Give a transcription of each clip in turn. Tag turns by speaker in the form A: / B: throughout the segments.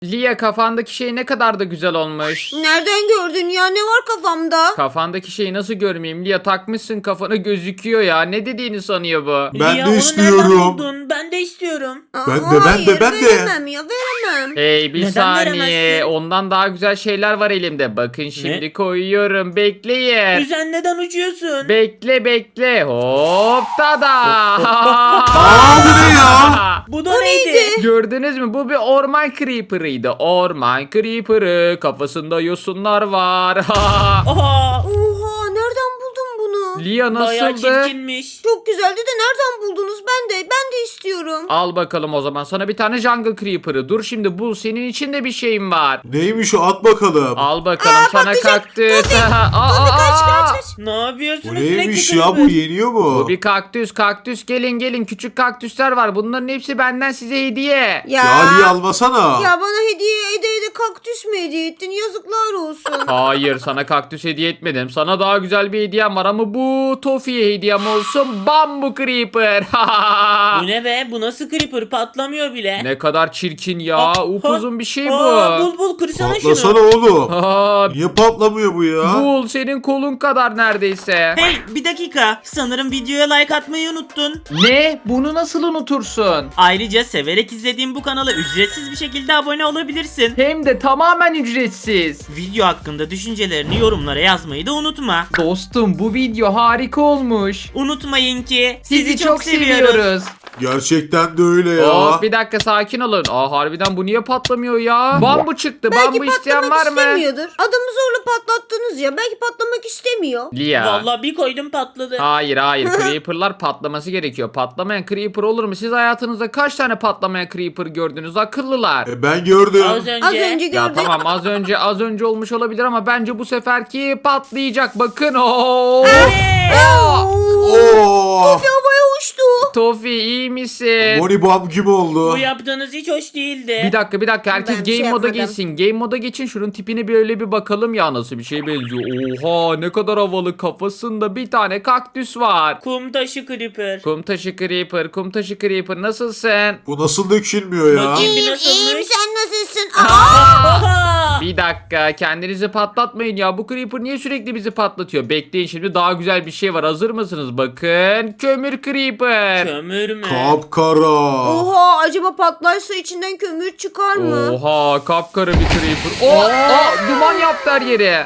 A: Lia, kafandaki şey ne kadar da güzel olmuş.
B: Nereden gördün ya? Ne var kafamda?
A: Kafandaki şeyi nasıl görmeyeyim? Lia, takmışsın kafana, gözüküyor ya. Ne dediğini sanıyor bu?
C: Ben
D: Lia,
C: de
D: onu
C: istiyorum.
D: nereden buldun? Ben de istiyorum.
C: Ben de.
B: Veremem ya, veremem.
A: Hey, bir
D: Neden
A: saniye.
D: veremezsin?
A: Ondan daha güzel şeyler var elimde. Bakın şimdi koyuyorum. Bekleyin.
D: Güzel, neden uçuyorsun?
A: Bekle. Hop, tada.
C: Aa, bu ne ya?
D: Bu da neydi?
A: Gördünüz mü? Bu bir orman creeper'ıydı. Orman creeper'ı. Kafasında yosunlar var.
D: Oha.
B: Oha, nereden buldun bunu?
A: Lia,
D: Bayağı
A: nasıldı?
D: çirkinmiş.
B: Çok güzeldi de nereden buldunuz? Ben de istiyorum.
A: Al bakalım o zaman. Sana bir tane jungle creeper'ı. Dur şimdi, bul, senin içinde bir şeyim var.
C: Neymiş o, at bakalım.
A: Al bakalım sana
B: patlayacak.
A: kaktüs.
B: Kaç.
D: Ne yapıyorsunuz
C: Bu
D: sürekli
C: neymiş ya, bu
D: kırmızı?
C: yeniyor mu?
A: Bu bir kaktüs. Gelin. Küçük kaktüsler var. Bunların hepsi benden size hediye.
B: Ya.
C: Ali almasana.
B: Ya bana hediye ede kaktüs mü hediye ettin? Yazıklar olsun.
A: Hayır, sana kaktüs hediye etmedim. Sana daha güzel bir hediyem var ama bu Tofi'ye hediyem olsun. Bambu creeper.
D: Bu ne be? Bu nasıl creeper? Patlamıyor bile.
A: Ne kadar çirkin ya.
D: Aa,
A: Upuzun bir şey
D: Aa,
A: bu.
D: bul kırsana
C: Patlasana
D: şunu.
C: oğlum.
A: Aa,
C: Niye patlamıyor bu ya?
A: bul, senin kolun kadar neredeyse.
D: Hey, bir dakika. Sanırım videoya like atmayı unuttun.
A: Ne? Bunu nasıl unutursun?
D: Ayrıca severek izlediğim bu kanala ücretsiz bir şekilde abone olabilirsin.
A: Hem de tamamen ücretsiz.
D: Video hakkında düşüncelerini yorumlara yazmayı da unutma.
A: Dostum, bu video harika olmuş.
D: Unutmayın ki
A: Sizi çok seviyoruz.
C: Gerçekten de öyle ya.
A: Hop, bir dakika, sakin olun. Harbiden bu niye patlamıyor ya? Bambu çıktı.
B: Belki
A: Bambu isteyen
B: patlamak
A: var mı?
B: istemiyordur. Adamı zorla patlattınız ya. Belki patlamak istemiyor.
A: Lia.
D: Vallahi bir koydum patladı.
A: Hayır. Creeper'lar patlaması gerekiyor. Patlamayan creeper olur mu? Siz hayatınızda kaç tane patlamayan creeper gördünüz? Akıllılar.
C: Ben gördüm.
D: Az önce.
B: Az önce
A: Ya
B: gördük.
A: tamam, az önce olmuş olabilir ama bence bu seferki patlayacak. Bakın. Oo.
C: Oo.
B: Havaya uçtu.
A: Tofi, iyi misin?
C: Moni bam gibi oldu.
D: Bu yaptığınız hiç hoş değildi.
A: Bir dakika. Herkes
B: Ben bir şey
A: game moda
B: yapmadım.
A: geçsin. Game moda geçin. Şunun tipini böyle bir bakalım ya, nasıl bir şey benziyor. Oha, ne kadar havalı. Kafasında bir tane kaktüs var.
D: Kum taşı creeper.
A: Kum taşı creeper. Nasılsın?
C: Bu nasıl dökülmüyor ya?
D: Bakayım.
B: İyiyim
D: Nasılmış?
B: sen nasılsın?
D: Oha!
A: Bir dakika, kendinizi patlatmayın ya. Bu creeper niye sürekli bizi patlatıyor? Bekleyin, şimdi daha güzel bir şey var. Hazır mısınız? Bakın, kömür creeper.
D: Kömür mü?
C: Kapkara.
B: Oha, acaba patlarsa içinden kömür çıkar mı?
A: Oha, kapkara bir creeper. Duman yaptı her yere.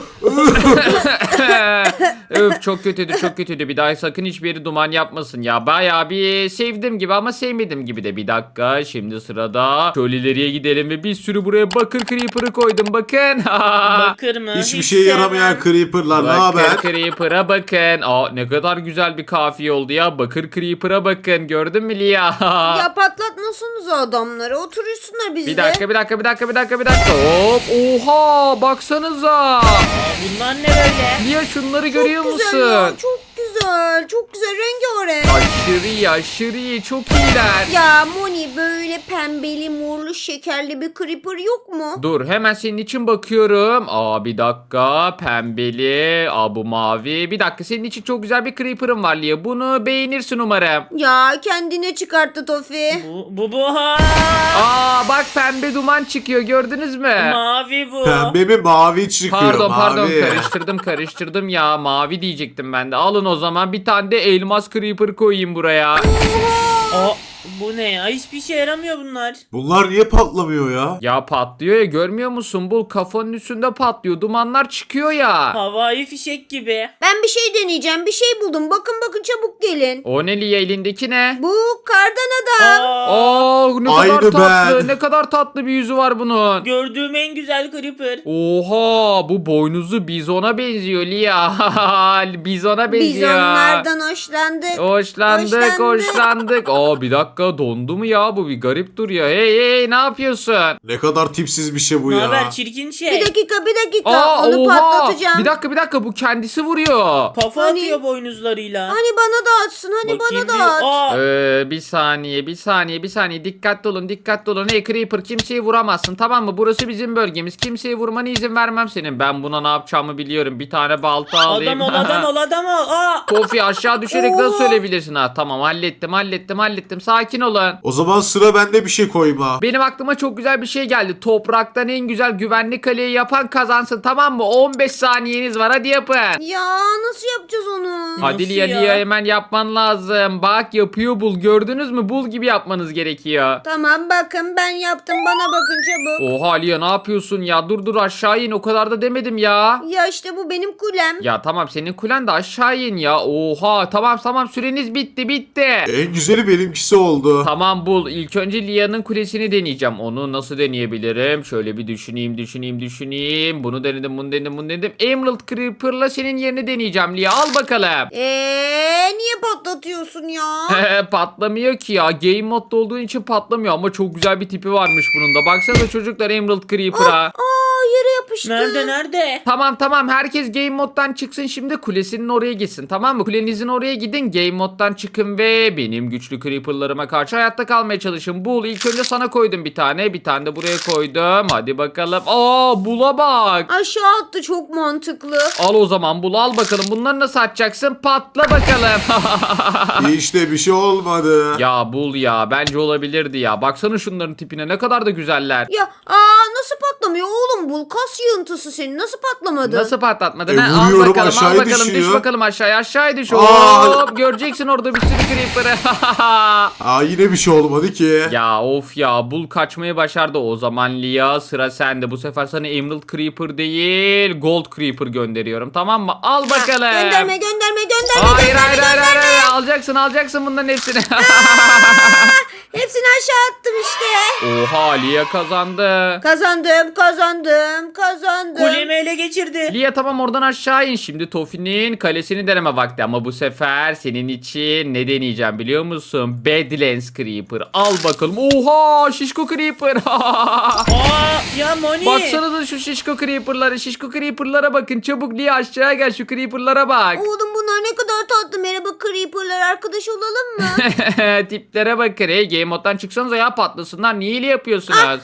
A: Öf, çok kötüydü. Bir daha sakın hiçbir yeri duman yapmasın ya. Bayağı bir sevdim gibi ama sevmedim gibi de. Bir dakika, şimdi sırada şöyle ileriye gidelim ve bir sürü buraya bakır creeper'ı koydum. Bakın.
D: Bakır mı?
C: Hiçbir
D: Hiç
C: şey
D: sevmem.
C: yaramayan creeperlar, ne haber?
A: Bakır creeper'a bakın. Ne kadar güzel bir kafiye oldu ya. Bakır creeper'a bakın. Gördün mü Lia?
B: Ya patlatmasanız adamları. Oturursunlar bizde.
A: Bir dakika. Hop. Oha, baksanıza.
D: Bunlar ne böyle?
A: Lia, şunları görüyor
B: Çok
A: musun?
B: güzel ya, çok güzel. Çok güzel, rengarenk.
A: Aşırı iyi. Çok iyiler.
B: Ya Moni, böyle pembeli, morlu, şekerli bir creeper yok mu?
A: Dur, hemen senin için bakıyorum. Bir dakika. Pembeli. Bu mavi. Bir dakika, senin için çok güzel bir creeper'ım var Lia. Bunu beğenirsin umarım.
B: Ya kendine çıkarttı Tofi.
D: Bu ha.
A: Bak, pembe duman çıkıyor, gördünüz mü?
D: Mavi bu.
C: Pembe mi mavi çıkıyor?
A: Pardon,
C: mavi.
A: karıştırdım ya, mavi diyecektim ben de. Alın o zaman, bir tane de elmas creeper koyayım buraya.
D: Aa, bu ne ya? Hiçbir şey yaramıyor bunlar.
C: Bunlar niye patlamıyor ya?
A: Ya patlıyor ya, görmüyor musun? Bul, kafanın üstünde patlıyor, dumanlar çıkıyor ya.
D: Havai fişek gibi.
B: Ben bir şey deneyeceğim. Bir şey buldum. Bakın çabuk gelin.
A: O ne Lia, elindeki ne?
B: Bu kardan adam.
A: Ne
C: Aynı
A: kadar tatlı,
C: ben.
A: ne kadar tatlı bir yüzü var bunun.
D: Gördüğüm en güzel creeper.
A: Oha, bu boynuzlu bizona benziyor Lia. Bizona
B: Biz
A: benziyor.
B: onlardan hoşlandık.
A: Hoşlandık. Bir dakika, dondu mu ya, bu bir garip duruyor. Hey, ne yapıyorsun?
C: Ne kadar tipsiz bir şey bu
D: Ne
C: ya.
D: haber çirkin şey?
B: Bir dakika. Onu patlatacağım.
A: Bir dakika, bu kendisi vuruyor.
D: Kafa
B: Hani-
D: atıyor boynuzlarıyla.
B: Hani bana da atsın.
D: Bakayım
B: Bana da at.
D: Aa,
A: Bir saniye. Dikkatli olun. Hey Creeper, kimseyi vuramazsın, tamam mı? Burası bizim bölgemiz. Kimseye vurmana izin vermem senin. Ben buna ne yapacağımı biliyorum. Bir tane balta alayım.
D: adam ol. Aa.
A: Tofi, aşağı düşerek nasıl ölebilirsin? Tamam, hallettim. sakin olun.
C: O zaman sıra bende, bir şey koyma.
A: Benim aklıma çok güzel bir şey geldi. Topraktan en güzel güvenli kaleyi yapan kazansın, tamam mı? 15 saniyeniz var, hadi yapın.
B: Ya nasıl yapacağız onu?
A: Hadi
D: Nasıl
A: Lia,
D: ya?
A: Lia hemen yapman lazım. Bak yapıyor Bul, gördünüz mü? Bul gibi yapmanız gerekiyor.
B: Tamam bakın ben yaptım, bana bakın çabuk.
A: Oha Lia, ne yapıyorsun ya? Dur aşağı in, o kadar da demedim ya.
B: Ya işte bu benim kulem.
A: Ya tamam, senin kulen de aşağı in ya. Oha tamam süreniz bitti.
C: En güzeli benimkisi oldu.
A: Tamam Bul, ilk önce Lia'nın kulesini deneyeceğim. Onu nasıl deneyebilirim? Şöyle bir düşüneyim. Bunu denedim. Emerald Creeper'la senin yerini deneyeceğim Lia, al bakalım.
B: Niye patlatıyorsun ya?
A: Patlamıyor ki ya. Game modda olduğu için patlamıyor ama çok güzel bir tipi varmış bunun da. Baksanıza çocuklar Emerald Creeper'a.
B: Yere yapıştı.
D: Nerede?
A: Tamam herkes game moddan çıksın, şimdi kulesinin oraya gitsin, tamam mı? Kulenizin oraya gidin, game moddan çıkın ve benim güçlü creeperlarıma karşı hayatta kalmaya çalışın. Bul, ilk önce sana koydum bir tane de buraya koydum, hadi bakalım. Bul'a bak.
B: Aşağı attı, çok mantıklı.
A: Al o zaman Bul, al bakalım, bunları nasıl atacaksın, patla bakalım.
C: İşte bir şey olmadı.
A: Ya Bul ya, bence olabilirdi ya, baksana şunların tipine, ne kadar da güzeller.
B: Ya nasıl patlamıyor oğlum bu? Kas yığıntısı senin, nasıl patlamadı?
A: Nasıl patlatmadın? Al
C: vuruyorum,
A: bakalım,
C: aşağıya
A: düş
C: düşüyor.
A: bakalım aşağı düş.
C: Aa!
A: Hop, göreceksin orada bir sürü creeper'ı.
C: Yine bir şey olmadı ki.
A: Ya of ya, Bul kaçmayı başardı. O zaman Lia, sıra sende. Bu sefer sana Emerald Creeper değil, Gold Creeper gönderiyorum, tamam mı? Al bakalım.
B: Gönderme.
A: Hayır. Alacaksın bunların hepsini.
B: Hepsini aşağı attım işte.
A: Oha, Lia kazandı.
B: Kazandım.
D: Kulemi ele geçirdi.
A: Lia tamam, oradan aşağı in. Şimdi Tofi'nin kalesini deneme vakti ama bu sefer senin için ne deneyeceğim biliyor musun? Badlands Creeper. Al bakalım. Oha, şişko Creeper.
D: Ya Moni.
A: Baksanıza şu şişko Creeper'lara bakın. Çabuk Lia, aşağıya gel, şu Creeper'lara bak.
B: Oğlum bunlar ne kadar tatlı. Merhaba Creeper'lar, arkadaş olalım mı?
A: Tiplere bakın. Hey, game moddan çıksanıza ya, patlasınlar. Niye öyle yapıyorsunuz?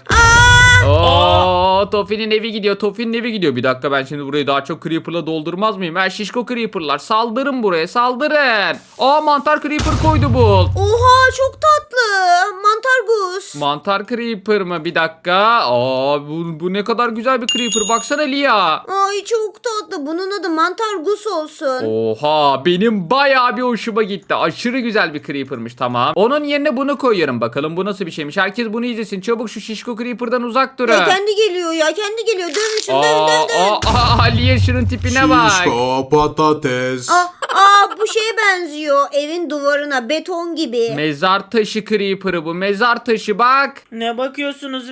A: Tofi'nin evi gidiyor. Bir dakika, ben şimdi burayı daha çok Creeper'la doldurmaz mıyım? Şişko Creeper'lar, saldırın buraya, saldırın. Mantar Creeper koydu Bul.
B: Oha çok tatlı. Mantar Gus.
A: Mantar Creeper mı? Bir dakika. Bu ne kadar güzel bir Creeper. Baksana Lia.
B: Ay çok tatlı. Bunun adı Mantar Gus olsun.
A: Oha, benim bayağı bir hoşuma gitti. Aşırı güzel bir Creeper'mış, tamam. Onun yerine bunu koyuyorum. Bakalım bu nasıl bir şeymiş. Herkes bunu izlesin. Çabuk şu şişko Creeper'dan uzak durun.
B: Ya kendi geliyor. Dön şunu, dön.
A: Lia, şunun tipine bak.
C: Şişko patates.
B: Bu şeye benziyor. Evin duvarına, beton gibi.
A: Mezar taşı Creeper'ı bu. Mezar taşı bak.
D: Ne bakıyorsunuz?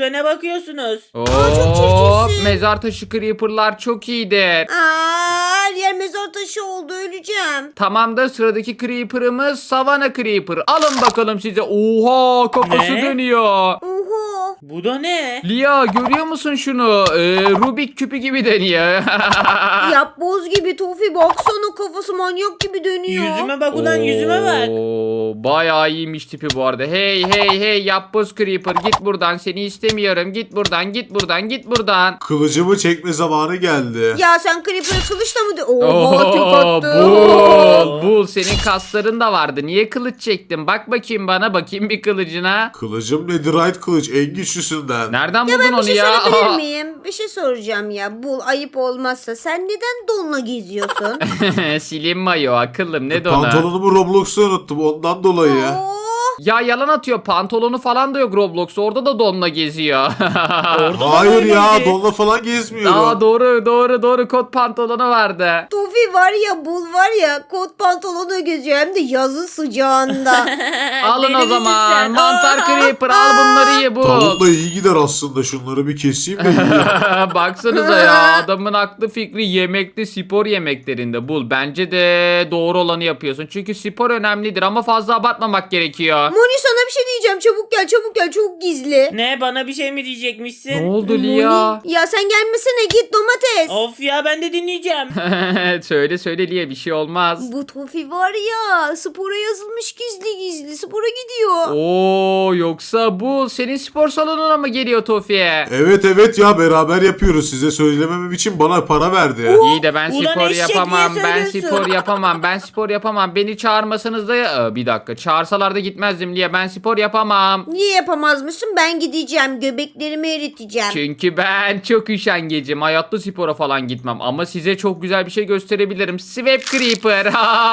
B: çok çirkinsin.
A: Mezar taşı Creeper'lar çok iyidir.
B: Her yer mezar taşı oldu, öleceğim.
A: Tamam da sıradaki Creeper'ımız Savannah Creeper. Alın bakalım size. Oha, kafası
D: Ne?
A: dönüyor.
B: Oha.
D: Bu da ne?
A: Lia, görüyor musun şunu? Rubik küpü gibi deniyor.
B: Yapboz gibi Tofi, baksana kafası manyak gibi dönüyor.
D: Yüzüme bak ulan, yüzüme bak.
A: Bayağı iyiymiş tipi bu arada. Hey yapboz Creeper, git buradan, seni istemiyorum. Git buradan.
C: Kılıcımı çekme zamanı geldi.
B: Ya sen Creeper'ı kılıçla mı Oha tek attı.
A: Bul, senin kasların da vardı. Niye kılıç çektin? Bak bakayım bana, bakayım bir kılıcına.
C: Kılıcım Netherite kılıç, en güçlüsünden.
A: Nereden
B: Ya
A: buldun
B: ben bir
A: onu
B: şey
A: ya?
B: sorabilir miyim? Bir şey soracağım ya. Bu ayıp olmazsa. Sen neden donla geziyorsun?
A: Silin mayo akıllım, ne dona?
C: Pantolonumu Roblox'ta unuttum, ondan dolayı.
B: Oo.
A: Ya yalan atıyor, pantolonu falan da yok Roblox'ta, orada da donla geziyor.
C: Hayır ya,
D: öyleydi.
C: donla falan gezmiyorum.
A: Doğru, kot pantolonu vardı.
B: Tofi var ya, Bul var ya, kot pantolonu geziyor, hem de yazın sıcağında.
A: Alın
D: Deli
A: o
D: misin
A: zaman,
D: sen?
A: mantar Creeper, al bunları ye bu.
C: Tavukla iyi gider aslında, şunları bir keseyim de yiyeyim.
A: Baksanıza ya, adamın aklı fikri yemekte, spor yemeklerinde Bul. Bence de doğru olanı yapıyorsun. Çünkü spor önemlidir ama fazla abartmamak gerekiyor.
B: Moni sana bir şey diyeceğim, çabuk gel, çok gizli.
D: Ne, bana bir şey mi diyecekmişsin?
A: Ne oldu Lia?
B: Moni, ya sen gelmesene, git domates.
D: Of ya, ben de dinleyeceğim.
A: Söyle Lia, bir şey olmaz.
B: Bu Tofi var ya, spora yazılmış gizli spora gidiyor.
A: Yoksa bu senin spor salonuna mı geliyor Tofi'ye?
C: Evet ya, beraber yapıyoruz, size söylememem için bana para verdi.
A: İyi de ben
D: Ulan
A: spor
D: eşek,
A: yapamam.
D: niye
A: Ben
D: söylüyorsun?
A: spor yapamam. Beni çağırmasanız da bir dakika. Çağırsalar da gitmez yetişemezdim Lia. Ben spor yapamam.
B: Niye yapamazmışsın? Ben gideceğim. Göbeklerimi eriteceğim.
A: Çünkü ben çok üşengecim. Hayatta spora falan gitmem. Ama size çok güzel bir şey gösterebilirim. Swap Creeper.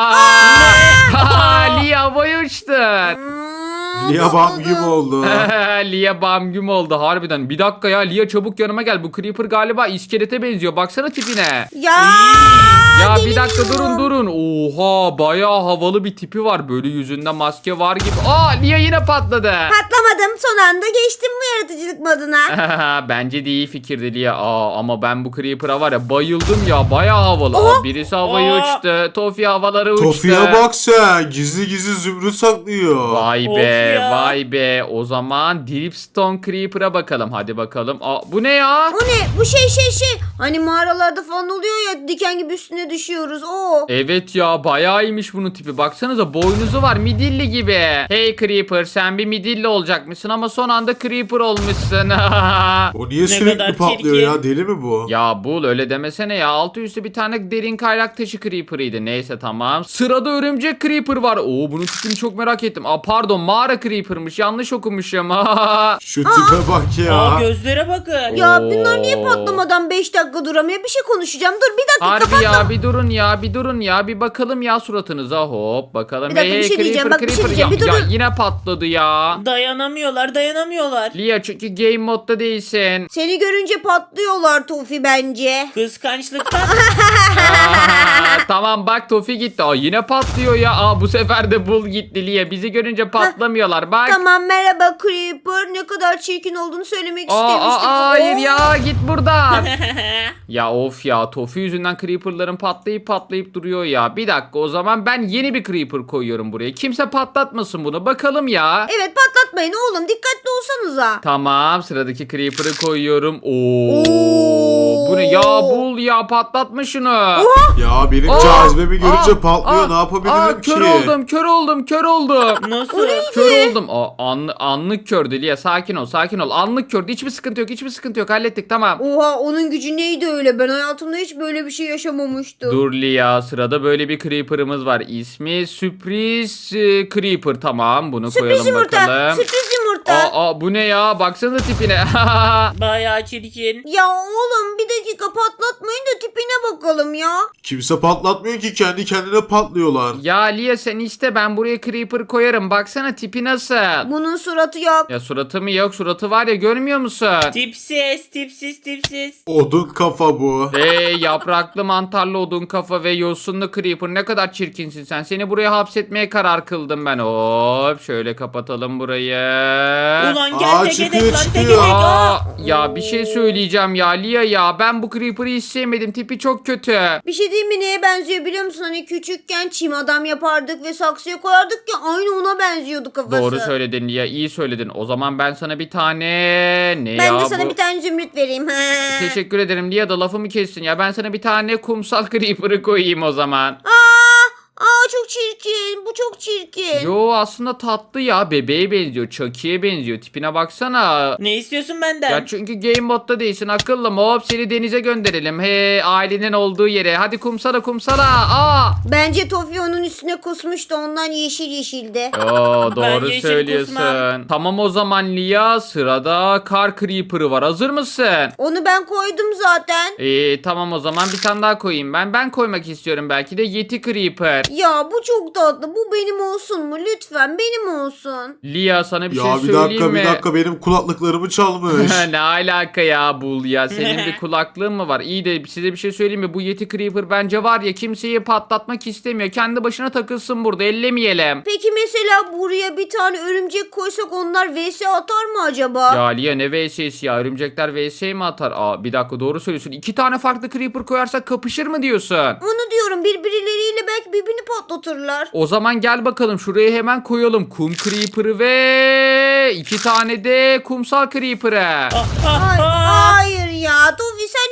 A: Lia havaya uçtun.
C: Lia bam gibi oldu.
A: Lia bam güm oldu harbiden. Bir dakika ya Lia, çabuk yanıma gel. Bu Creeper galiba iskelete benziyor. Baksana tipine.
B: Ya.
A: Ya bir dakika
B: deliriyorum.
A: durun. Oha, bayağı havalı bir tipi var. Böyle yüzünde maske var gibi. Aa, Lia yine patladı.
B: Patlamadım. Son anda geçtim bu yaratıcılık moduna.
A: Bence de iyi fikirdi Lia. Ama ben bu Creeper'a var ya bayıldım ya. Bayağı havalı. Birisi havaya uçtu. Tofi havalara uçtu.
C: Tofi'ye bak sen. Gizli gizli zümrüt saklıyor.
A: Vay
D: Of
A: be,
D: ya.
A: vay be. O zaman Dripstone Creeper'a bakalım. Hadi bakalım. Bu ne ya?
B: O ne? Bu şey. Hani mağaralarda falan oluyor ya, diken gibi üstüne düşüyoruz. O.
A: Evet ya, bayağı iyiymiş bunun tipi. Baksanıza, boynuzu var midilli gibi. Hey Creeper, sen bir midilli olacakmışsın ama son anda Creeper olmuşsun.
C: O niye
D: kadar
C: sürekli patlıyor
D: çirkin.
C: ya? Deli mi bu?
A: Ya Bul, öyle demesene ya. Altı üstü bir tane derin kaynak taşı Creeper'ıydı. Neyse tamam. Sırada örümcek Creeper var. Bunun tipini çok merak ettim. Pardon, mağara Creeper'mış. Yanlış okumuşum.
C: Şu tipe bak ya.
D: Gözlere bakın.
B: Ya
A: Oo.
B: bunlar niye patlamadan 5 dakika duramıyor? Bir şey konuşacağım. Dur bir dakika,
A: Harbi
B: kapatma.
A: ya, bir durun ya. Bir bakalım ya suratınıza. Hop bakalım.
B: Bir dakika, bir şey diyeceğim. Bak, bir şey diyeceğim.
A: Ya,
B: Bir dur,
A: ya
B: dur.
A: yine patladı ya.
D: Dayanamıyorlar.
A: Lia, çünkü game modda değilsin.
B: Seni görünce patlıyorlar Tofi bence.
D: Kıskançlıktan.
A: Tamam bak, Tofi gitti. Yine patlıyor ya. Bu sefer de Bul gitti Lia. Bizi görünce patlamıyorlar. Bak.
B: Tamam, merhaba Creeper. Ne kadar çirkin olduğunu söylemek istemiştim.
A: Hayır
B: Oo.
A: ya, git buradan. Ya of ya, Tofi yüzünden Creeper'ların patlayıp duruyor ya. Bir dakika, o zaman ben yeni bir Creeper koyuyorum buraya. Kimse patlatmasın bunu. Bakalım ya.
B: Evet, patlatmayın oğlum. Dikkatli olsanıza.
A: Tamam, sıradaki Creeper'ı koyuyorum. Oo.
B: Oo.
A: Bu ne ya, Bul ya, patlatma şunu.
C: Ya benim cazibemi görünce patlıyor. Ne yapabilirim ki?
A: Kör oldum.
D: Nasıl?
A: Kör oldum. Anlık kördü Lia, sakin ol. Anlık kördü. Hiçbir sıkıntı yok. Hallettik, tamam.
B: Oha, onun gücü neydi öyle? Ben hayatımda hiç böyle bir şey yaşamamıştım.
A: Dur Lia, sırada böyle bir Creeper'ımız var. İsmi Sürpriz Creeper. Tamam, bunu
B: Sürpriz
A: koyalım
B: yumurta.
A: bakalım.
B: Sürpriz yumurta.
A: Bu ne ya? Baksanıza tipine.
D: Bayağı çirkin.
B: Ya oğlum, bir dakika, patlatmayın da tipine bakalım ya.
C: Kimse patlatmıyor ki. Kendi kendine patlıyorlar.
A: Ya Lia, sen iste, ben buraya Creeper koyarım. Baksana tipi nasıl?
B: Bunun suratı yok.
A: Ya suratı mı yok? Suratı var ya, görmüyor musun?
D: Tipsiz.
C: Odun kafa bu.
A: Yapraklı mantarlı odun kafa ve yosunlu Creeper, ne kadar çirkinsin sen. Seni buraya hapsetmeye karar kıldım ben. Hop, şöyle kapatalım burayı.
D: Ulan gel tek
C: çıkıyor,
D: edek lan tek
C: çıkıyor.
D: edek.
A: Ya bir şey söyleyeceğim ya Lia ya. Ben bu Creeper'ı hiç sevmedim. Tipi çok kötü.
B: Bir şey diyeyim mi, neye benziyor biliyor musun? Hani küçükken çim adam yapardık ve saksıya koyardık ya, aynı ona benziyordu kafası.
A: Doğru söyledin Lia, iyi söyledin. O zaman ben sana bir tane... Ne
B: Ben
A: ya
B: de sana
A: bu?
B: bir tane zümrüt vereyim.
A: Teşekkür ederim Lia, da lafımı kessin ya. Ben sana bir tane kumsal Creeper'ı koyayım o zaman.
B: Çok çirkin. Bu çok çirkin.
A: Yo, aslında tatlı ya. Bebeğe benziyor. Chucky'ye benziyor. Tipine baksana.
D: Ne istiyorsun benden?
A: Ya çünkü game modda değilsin akıllım. Hop, seni denize gönderelim. Ailenin olduğu yere. Hadi kumsala.
B: Bence Tofi onun üstüne kusmuştu. Ondan yeşildi.
A: Oo,
D: Ben
A: doğru
D: yeşil
A: söylüyorsun.
D: kusmam.
A: Tamam o zaman Lia, sırada Kar Creeper'ı var. Hazır mısın?
B: Onu ben koydum zaten.
A: Tamam o zaman bir tane daha koyayım ben. Ben koymak istiyorum belki de Yeti Creeper.
B: Ya bu çok tatlı. Bu benim olsun mu? Lütfen benim olsun.
A: Lia, sana bir
C: Ya
A: şey
C: bir
A: söyleyeyim
C: dakika
A: mi?
C: bir dakika benim kulaklıklarımı çalmış.
A: Ne alaka ya Bul ya, senin bir kulaklığın mı var? İyi de size bir şey söyleyeyim mi? Bu Yeti Creeper bence var ya, kimseyi patlatmak istemiyor. Kendi başına takılsın burada, ellemeyelim.
B: Peki mesela buraya bir tane örümcek koysak onlar vs atar mı acaba?
A: Ya Lia, ne VS'si ya? Örümcekler VS mi atar? Bir dakika, doğru söylüyorsun. 2 tane farklı Creeper koyarsak kapışır mı diyorsun?
B: Onu diyorum, birbirleriyle belki birbirini patlatırlar.
A: O zaman gel bakalım, şuraya hemen koyalım. Kum Creeper'ı ve 2 tane de kumsal Creeper'ı.
B: Hayır ya, Tofi sen niye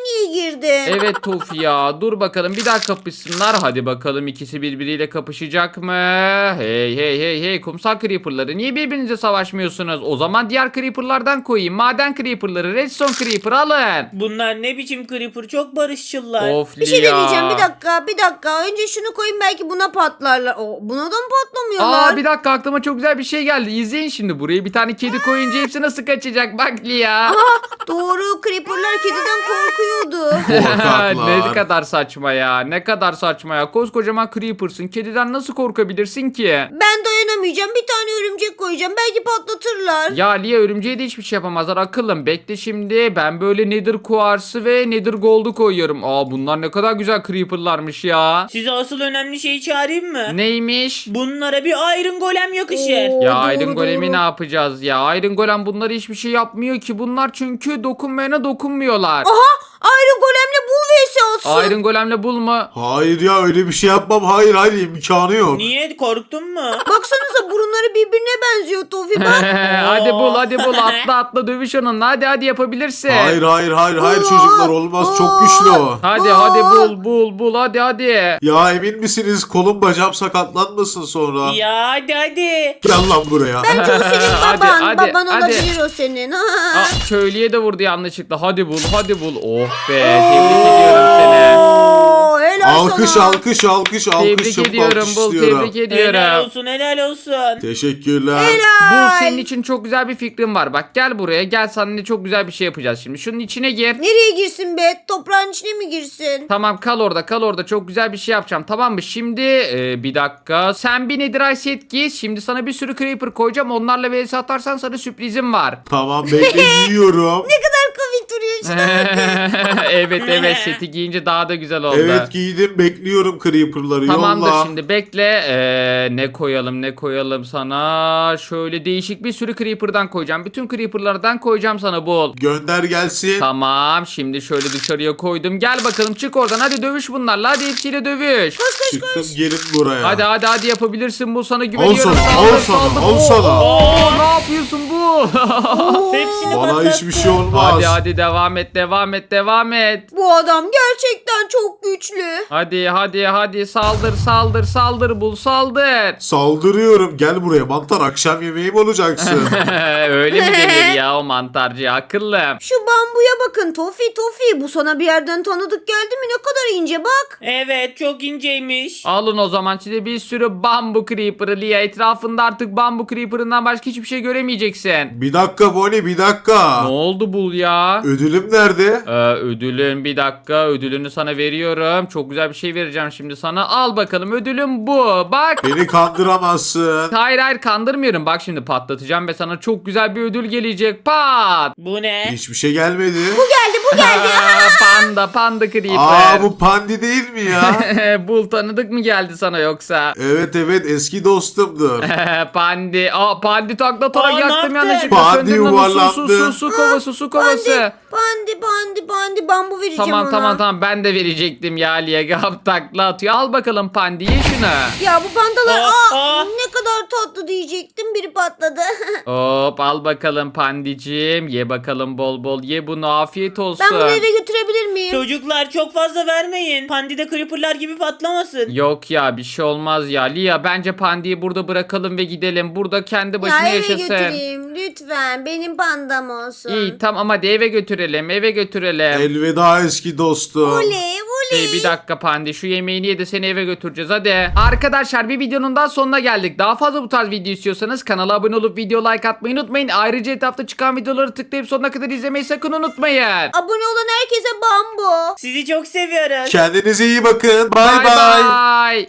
B: geçirdin.
A: Evet Tofi ya, dur bakalım bir daha kapışsınlar. Hadi bakalım ikisi birbiriyle kapışacak mı? Hey hey hey hey, kumsal creeperları niye birbirinize savaşmıyorsunuz? O zaman diğer creeperlardan koyayım. Maden creeperları, redstone creeper alın.
D: Bunlar ne biçim creeper, çok barışçılar.
A: Of
B: Bir şey
A: Lia.
B: deneyeceğim, bir dakika. Önce şunu koyayım, belki buna patlarlar. Buna da mı patlamıyorlar?
A: Bir dakika, aklıma çok güzel bir şey geldi. İzleyin şimdi, buraya bir tane kedi koyunca hepsi nasıl kaçacak bak Lia.
B: Doğru, creeperlar kediden korkuyordu.
C: Korkaklar.
A: Ne kadar saçma ya. Ne kadar saçma ya. Koskocaman creeper'sın. Kediden nasıl korkabilirsin ki?
B: Ben dayanamayacağım, bir tane örümcek koyacağım, belki patlatırlar.
A: Ya Lia, örümceğe de hiçbir şey yapamazlar akıllım. Bekle şimdi, ben böyle Nether kuarsı ve Nether gold'u koyuyorum. Bunlar ne kadar güzel creeper'larmış ya.
D: Size asıl önemli şeyi çağırayım mı?
A: Neymiş?
D: Bunlara bir Iron Golem yakışır.
B: Oo.
A: Ya
B: Doğru,
A: Iron Golem'i
B: doğru.
A: ne yapacağız ya? Iron Golem bunları hiçbir şey yapmıyor ki. Bunlar çünkü dokunmayana dokunmuyorlar.
B: Iron Golem'le bul vs olsun.
A: Iron Golem'le bulma.
C: Hayır ya, öyle bir şey yapmam. Hayır imkanı yok.
D: Niye, korktun mu?
B: Baksanıza, burunları birbirine benziyor Tofi, bak.
A: hadi bul atla dövüş onunla. Hadi yapabilirsin.
C: Hayır
B: Aa,
C: çocuklar, olmaz, çok güçlü o.
A: Hadi bul hadi.
C: Ya emin misiniz, kolum bacağım sakatlanmasın sonra?
D: Ya hadi.
C: Gel lan buraya.
B: Bence o senin
A: Hadi,
B: baban.
A: hadi,
B: Baban
A: hadi.
B: olabilir o senin.
A: Köylüye de vurdu yanlışlıkla. Hadi bul. Oh be, tebrik ediyorum seni.
B: Oo, helal
C: Alkış
B: sana.
C: alkış.
A: Tebrik
C: Çabuk
A: ediyorum
C: alkış
A: bul,
C: istiyorum.
A: tebrik ediyorum.
D: Helal olsun.
C: Teşekkürler.
A: Bul, senin için çok güzel bir fikrim var. Bak gel buraya, gel, seninle çok güzel bir şey yapacağız şimdi. Şunun içine gir.
B: Nereye girsin be? Toprağın içine mi girsin?
A: Tamam, kal orada çok güzel bir şey yapacağım, tamam mı? Şimdi bir dakika, sen bir Netherite set giy. Şimdi sana bir sürü creeper koyacağım, onlarla vs atarsan sana sürprizim var.
C: Tamam, bekle, yiyorum.
B: Ne kadar komik duruyor işte.
A: evet seti giyince daha da güzel oldu.
C: Evet, giydim, bekliyorum creeper'ları.
A: Tamamdır,
C: Yolla.
A: şimdi bekle. Ne koyalım sana? Şöyle değişik bir sürü creeper'dan koyacağım. Bütün creeper'lardan koyacağım sana, bul.
C: Gönder gelsin.
A: Tamam, şimdi şöyle dışarıya koydum. Gel bakalım, çık oradan, hadi dövüş bunlarla, hadi hepsiyle dövüş.
C: Çıktım, gelin buraya.
A: Hadi yapabilirsin, bu sana güveniyorum.
C: Al sana.
A: Ne yapıyorsun bu?
D: Hepsini
C: Bana
D: patlattı.
C: hiçbir şey olmaz.
A: hadi devam et.
B: Bu adam gerçekten çok güçlü.
A: Hadi saldır bul, saldır.
C: Saldırıyorum. Gel buraya mantar, akşam yemeğim olacaksın.
A: Öyle mi denir ya o mantarcı, akıllım.
B: Şu bambuya bakın Tofi. Bu sana bir yerden tanıdık geldi mi? Ne kadar ince bak.
D: Evet, çok inceymiş.
A: Alın o zaman size bir sürü bambu creeper'ı Lia. Etrafında artık bambu creeper'ından başka hiçbir şey göremeyeceksin.
C: Bir dakika Bonnie, bir dakika.
A: Ne oldu bul ya?
C: Ödülüm nerede?
A: Ödülün, bir dakika, ödülünü sana veriyorum. Çok güzel bir şey vereceğim şimdi sana. Al bakalım, ödülüm bu. Bak.
C: Beni kandıramazsın.
A: Hayır kandırmıyorum. Bak şimdi patlatacağım ve sana çok güzel bir ödül gelecek. Pat.
D: Bu ne?
C: Hiçbir şey gelmedi.
B: Bu geldi.
A: Panda creeper.
C: Bu pandi değil mi ya?
A: Bul, tanıdık mı geldi sana yoksa?
C: Evet eski dostumdur.
A: Pandi. Pandi takla atarak
D: ne
A: yaktım
D: yaptın?
A: yanlışlıkla.
C: Pandi
A: Söndürün onu.
C: yuvarlandı.
A: Su kovası.
B: Pandi bambu vereceğim ona.
A: Tamam, ben de verecektim ya Liye. Takla atıyor. Al bakalım Pandi, ye şunu.
B: Ya bu pandalar
D: Aa.
B: ne kadar tatlı diyecektim, biri patladı.
A: Hop, al bakalım Pandicim. Ye bakalım, bol bol ye bunu, afiyet olsun.
B: Ben bunu eve götürebilir miyim?
D: Çocuklar, çok fazla vermeyin. Pandi de creeperlar gibi patlamasın.
A: Yok ya, bir şey olmaz ya. Lia, bence Pandi'yi burada bırakalım ve gidelim. Burada kendi başına
B: Ya eve
A: yaşasın.
B: götüreyim lütfen, benim pandam olsun.
A: İyi tamam, hadi eve götürelim.
C: Elveda eski dostum.
B: Oley.
A: Bir dakika Pandi, şu yemeğini ye de seni eve götüreceğiz hadi. Arkadaşlar, bir videonun daha sonuna geldik. Daha fazla bu tarz video istiyorsanız kanala abone olup video like atmayı unutmayın. Ayrıca etrafta çıkan videoları tıklayıp sonuna kadar izlemeyi sakın unutmayın.
B: Abone olan herkese bambu.
D: Sizi çok seviyoruz.
C: Kendinize iyi bakın. Bay
A: Bye
C: bay.
A: bye.